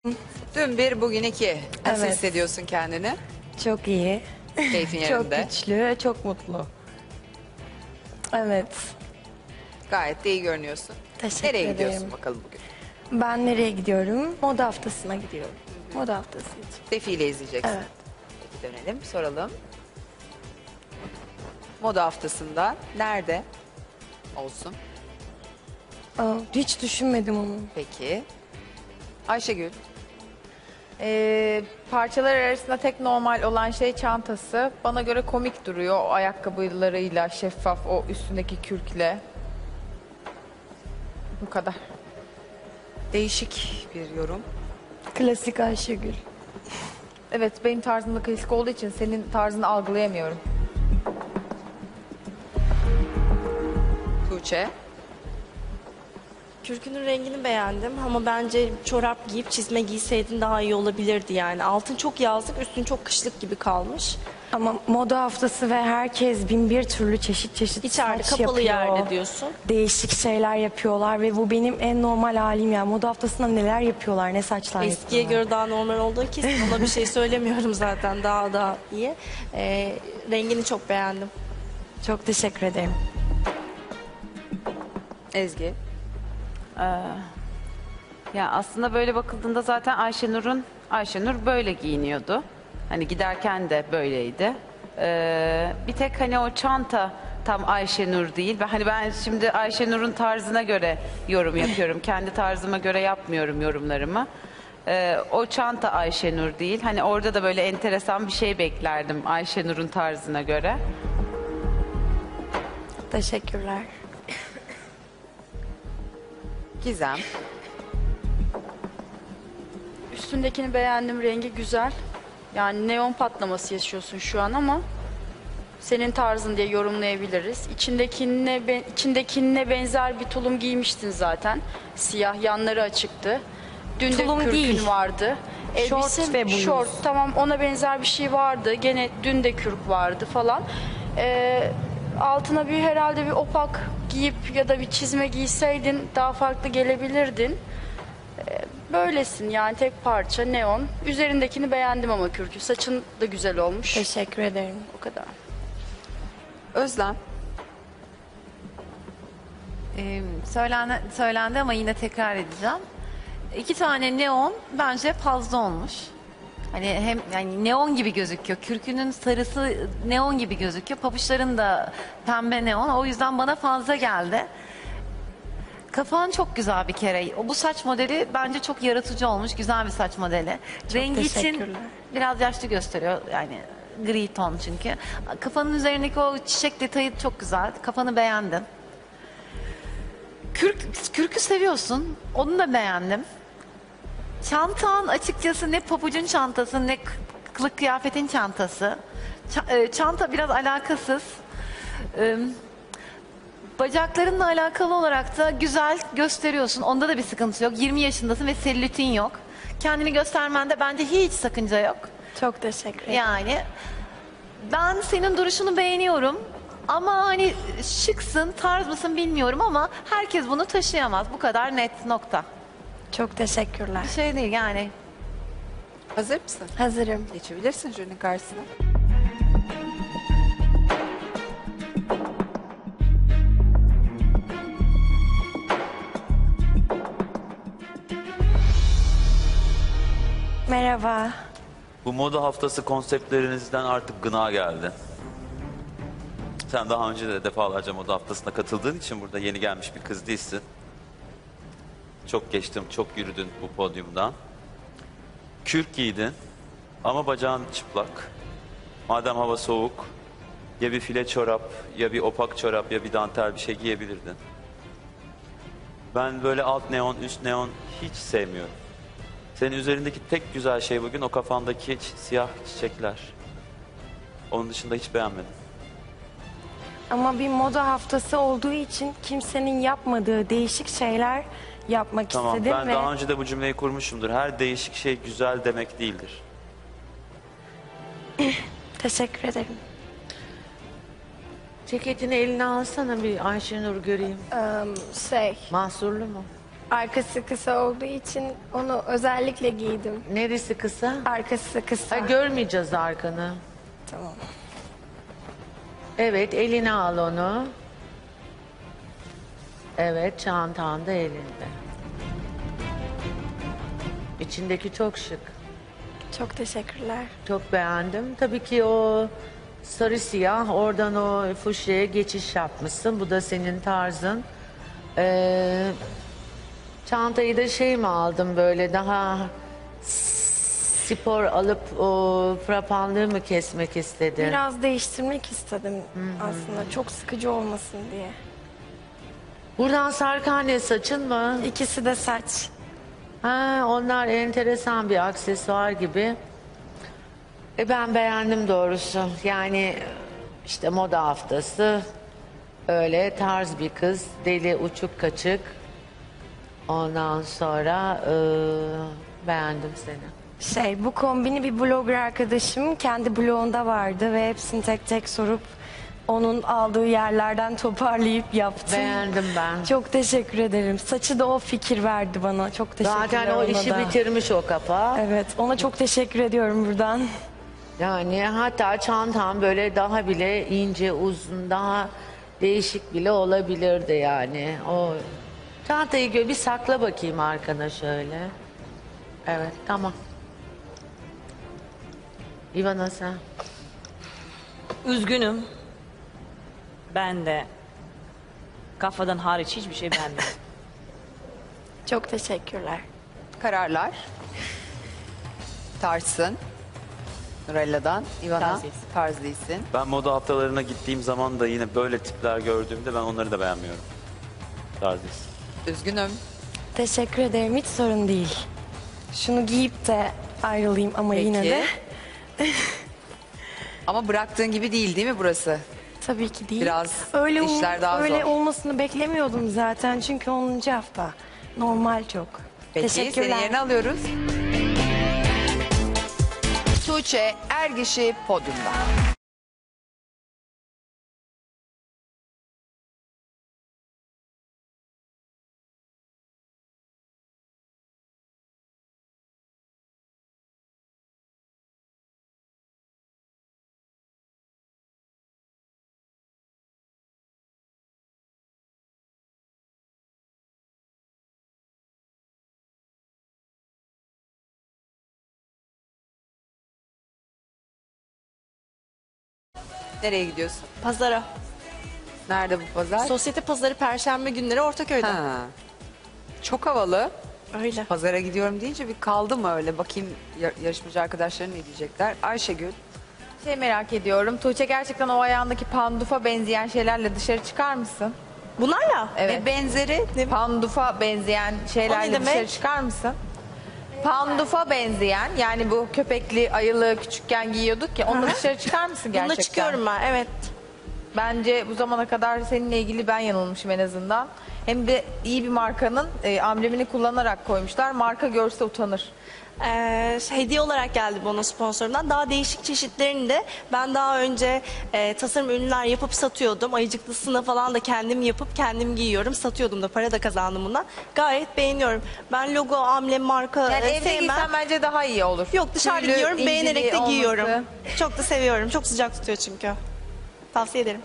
Dün bir, bugün iki. Nasıl Evet. hissediyorsun kendini? Çok iyi. Keyfin Çok yerinde. güçlü, çok mutlu. Evet. Gayet de iyi görünüyorsun. Teşekkür Nereye ederim. gidiyorsun bakalım bugün? Ben nereye gidiyorum? Moda haftasına gidiyorum. Moda haftası için. Defile izleyeceksin. Evet. Peki dönelim, soralım. Moda haftasında nerede olsun? Hiç düşünmedim onu. Peki. Ayşegül. Parçalar arasında tek normal olan şey çantası. Bana göre komik duruyor o ayakkabılarıyla, şeffaf o üstündeki kürkle. Bu kadar. Değişik bir yorum. Klasik Ayşegül. Evet, benim tarzımda klasik olduğu için senin tarzını algılayamıyorum. Tuğçe. Kürkünün rengini beğendim ama bence çorap giyip çizme giyseydin daha iyi olabilirdi yani. Altın çok yazlık, üstün çok kışlık gibi kalmış. Ama moda haftası ve herkes bin bir türlü çeşit İçeride saç kapalı yapıyor. yerde diyorsun. Değişik şeyler yapıyorlar ve bu benim en normal halim yani. Moda haftasında neler yapıyorlar, ne saçlar Eskiye yapıyorlar. göre daha normal olduğu kesin. Ona bir şey söylemiyorum zaten, daha iyi. Rengini çok beğendim. Çok teşekkür ederim. Ezgi. Ya aslında böyle bakıldığında zaten Ayşenur böyle giyiniyordu. Hani giderken de böyleydi. Bir tek hani o çanta tam Ayşenur değil. Ve hani ben şimdi Ayşenur'un tarzına göre yorum yapıyorum. Kendi tarzıma göre yapmıyorum yorumlarımı. O çanta Ayşenur değil. Hani orada da böyle enteresan bir şey beklerdim Ayşenur'un tarzına göre. Teşekkürler. Gizem. Üstündekini beğendim, rengi güzel. Yani neon patlaması yaşıyorsun şu an ama senin tarzın diye yorumlayabiliriz. İçindekine benzer bir tulum giymiştin zaten. Siyah, yanları açıktı. Dün Tulum de kürkün değil. vardı. Şort ve bluz. Şort, tamam, ona benzer bir şey vardı. Gene dün de kürk vardı falan. Altına herhalde bir opak giyip ya da bir çizme giyseydin daha farklı gelebilirdin. Böylesin yani, tek parça neon. Üzerindekini beğendim ama kürkü. Saçın da güzel olmuş. Teşekkür ederim. O kadar. Özlem. Söylendi ama yine tekrar edeceğim. 2 tane neon bence fazla olmuş. Hani hem yani neon gibi gözüküyor. Kürkünün sarısı neon gibi gözüküyor. Pabuçların da pembe neon. O yüzden bana fazla geldi. Kafan çok güzel bir kere. Bu saç modeli bence çok yaratıcı olmuş. Güzel bir saç modeli. Rengi için teşekkürler. biraz yaşlı gösteriyor. Yani gri ton çünkü. Kafanın üzerindeki o çiçek detayı çok güzel. Kafanı beğendim. Kürkü seviyorsun. Onu da beğendim. Çantan açıkçası ne pabucun çantası ne kılık kıyafetin çantası. Çanta biraz alakasız. Bacaklarınla alakalı olarak da güzel gösteriyorsun. Onda da bir sıkıntı yok. 20 yaşındasın ve selülitin yok. Kendini göstermende bence hiç sakınca yok. Çok teşekkür ederim. Yani ben senin duruşunu beğeniyorum. Ama hani şıksın, tarz mısın bilmiyorum ama herkes bunu taşıyamaz. Bu kadar net nokta. Çok teşekkürler. Bir şey değil yani. Hazır mısın? Hazırım. Geçebilirsin jürinin karşısına. Merhaba. Bu moda haftası konseptlerinizden artık gına geldi. Sen daha önce de defalarca moda haftasına katıldığın için burada yeni gelmiş bir kız değilsin. Çok geçtim, çok yürüdün bu podyumdan. Kürk giydin ama bacağın çıplak. Madem hava soğuk, ya bir file çorap, ya bir opak çorap, ya bir dantel bir şey giyebilirdin. Ben böyle alt neon, üst neon hiç sevmiyorum. Senin üzerindeki tek güzel şey bugün o kafandaki siyah çiçekler. Onun dışında hiç beğenmedim. Ama bir moda haftası olduğu için kimsenin yapmadığı değişik şeyler yapmak Tamam, istedim ben ve daha önce de bu cümleyi kurmuşumdur. Her değişik şey güzel demek değildir. teşekkür ederim. Ceketini eline alsana bir Ayşenur göreyim. Şey, Mahsurlu mu? Arkası kısa olduğu için onu özellikle giydim. Neresi kısa? Arkası kısa. Ha, görmeyeceğiz arkanı. Tamam. Evet, eline al onu. Evet, çantan da elinde. İçindeki çok şık. Çok teşekkürler. Çok beğendim. Tabii ki o sarı siyah, oradan o fuşyaya geçiş yapmışsın. Bu da senin tarzın. Çantayı da şey mi aldın, böyle daha spor alıp o frapanlığı mı kesmek istedin? Biraz değiştirmek istedim aslında. Çok sıkıcı olmasın diye. Buradan sarkan ne, saçın mı? İkisi de saç. Ha, onlar enteresan bir aksesuar gibi. Ben beğendim doğrusu. Yani işte moda haftası, öyle tarz bir kız, deli uçuk kaçık. Ondan sonra beğendim seni. Bu kombini bir blogger arkadaşım kendi blogunda vardı ve hepsini tek tek sorup onun aldığı yerlerden toparlayıp yaptım. Beğendim ben. Çok teşekkür ederim. Saçı da o fikir verdi bana. Çok teşekkürler Zaten o ona işi da. bitirmiş o kafa. Evet, ona çok teşekkür ediyorum buradan. Yani hatta çantam böyle daha bile ince, uzun, daha değişik bile olabilirdi yani. O çantayı bir sakla bakayım arkana şöyle. Evet, tamam. İvana sen. Üzgünüm. Ben de kafadan hariç hiçbir şey beğenmedim. Çok teşekkürler. Kararlar. Tarsın. Nurella'dan. Ivana. Tarz değilsin. Tarz değilsin. Ben moda haftalarına gittiğim zaman da yine böyle tipler gördüğümde ben onları da beğenmiyorum. Tarz değil. Üzgünüm. Teşekkür ederim. Hiç sorun değil. Şunu giyip de ayrılayım ama Peki. yine de. Ama bıraktığın gibi değil mi burası? Tabii ki değil. Biraz öyle işler daha öyle zor. olmasını beklemiyordum zaten çünkü 10. hafta. Normal çok. Peki Teşekkürler. seni yerine alıyoruz. Tuğçe Ergiş'i podyumda. Nereye gidiyorsun? Pazara. Nerede bu pazar? Sosyete pazarı Perşembe günleri Ortaköy'de. Ha. Çok havalı. Öyle. Pazara gidiyorum deyince bir kaldı mı öyle? Bakayım yarışmacı arkadaşlarım ne diyecekler. Ayşegül. Merak ediyorum. Tuğçe, gerçekten o ayağındaki pandufa benzeyen şeylerle dışarı çıkar mısın? Bunlarla. Evet. Ve benzeri Pandufa benzeyen O şeylerle ne demek? dışarı çıkar mısın? Pandufa benzeyen, yani bu köpekli ayılı küçükken giyiyorduk ya, onunla dışarı çıkar mısın gerçekten? Bununla çıkıyorum ben, evet. Bence bu zamana kadar seninle ilgili ben yanılmışım en azından. Hem de iyi bir markanın amblemini kullanarak koymuşlar. Marka görse utanır. Hediye olarak geldi bana sponsorumdan. Daha değişik çeşitlerini de ben daha önce tasarım ürünler yapıp satıyordum. Ayıcıklısını falan da kendim yapıp kendim giyiyorum. Satıyordum da, para da kazandım bundan. Gayet beğeniyorum. Ben logo, amblem, marka Yani evde sevmem. giysen bence daha iyi olur. Yok, dışarıda Tüylü, giyiyorum. inceliği Beğenerek de olması. giyiyorum. Çok da seviyorum. Çok sıcak tutuyor çünkü. Tavsiye ederim.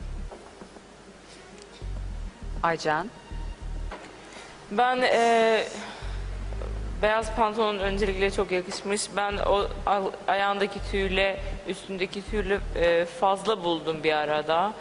Aycan. Ben beyaz pantolon öncelikle çok yakışmış. Ben o ayağındaki tüyle, üstündeki tüyle fazla buldum bir arada.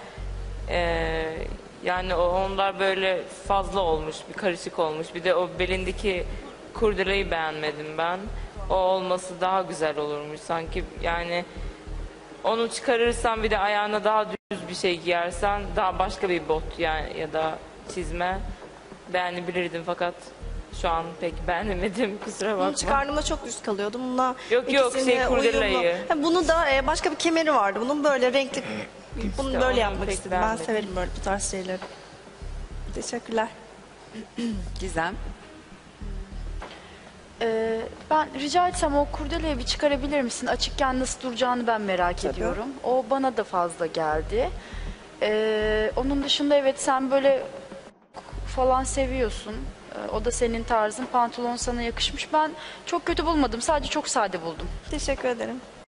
Yani onlar böyle fazla olmuş, bir karışık olmuş. Bir de o belindeki kurdeleyi beğenmedim ben. O olması daha güzel olurmuş sanki. Yani onu çıkarırsan bir de ayağına daha düz bir şey giyersen, daha başka bir bot yani ya da çizme beğenebilirdim, fakat şu an pek beğenemedim, kusura bakma. Bunu çıkardığımda çok düz kalıyordu. Bununla Yok, ikisini kurdelayı. uyumlu. Bunu da başka bir kemeri vardı. Bunun böyle renkli. Bunu İşte böyle onu yapmak pek istedim. Ben beğenmedim. severim böyle bu tarz şeyleri. Teşekkürler. Gizem. Ben rica etsem o kurdeleyi bir çıkarabilir misin? Açıkken nasıl duracağını ben merak ediyorum. O bana da fazla geldi. Onun dışında evet, sen böyle falan seviyorsun. O da senin tarzın. Pantolon sana yakışmış. Ben çok kötü bulmadım. Sadece çok sade buldum. Teşekkür ederim.